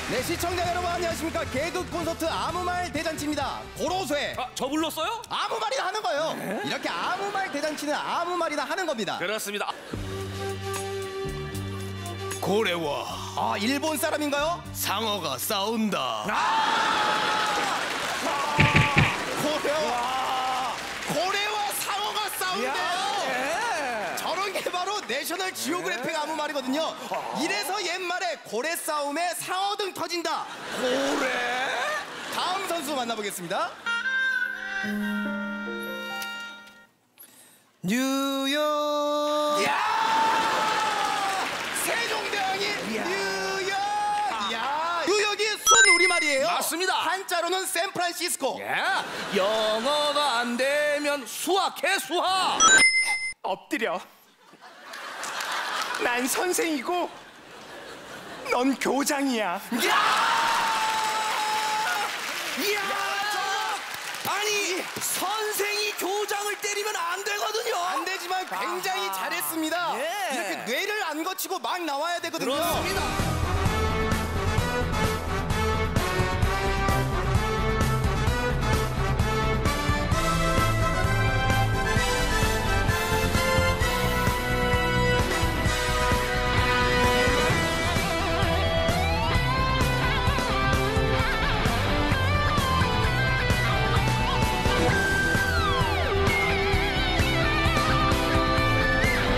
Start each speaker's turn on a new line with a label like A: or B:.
A: 네, 시청자 여러분 안녕하십니까. 개그 콘서트 아무말 대잔치입니다. 고로쇠.
B: 저 불렀어요?
A: 아무 말이나 하는 거예요. 네? 이렇게 아무 말 대잔치는 아무 말이나 하는 겁니다.
B: 그렇습니다.
C: 고래와
A: 일본 사람인가요?
C: 상어가 싸운다.
A: 고래와 상어가 싸운대요. 저런 게 바로 내셔널 지오그래픽 아무 말이거든요. 이래서 옛말에 고래 싸움에 상어 등 터진다.
C: 고래?
A: 다음 선수 만나보겠습니다. 뉴욕. 세종대왕이 뉴욕. 뉴욕이 순 우리말이에요.
B: 맞습니다.
A: 한자로는 샌프란시스코.
B: 영어가 안 되면 수학해 수학.
C: 엎드려. 난 선생이고 넌 교장이야.
B: 아니 선생이 교장을 때리면 안 되거든요.
A: 안 되지만 굉장히 잘했습니다.
B: 예.
A: 이렇게 뇌를 안 거치고 막 나와야 되거든요.
B: 그렇습니다.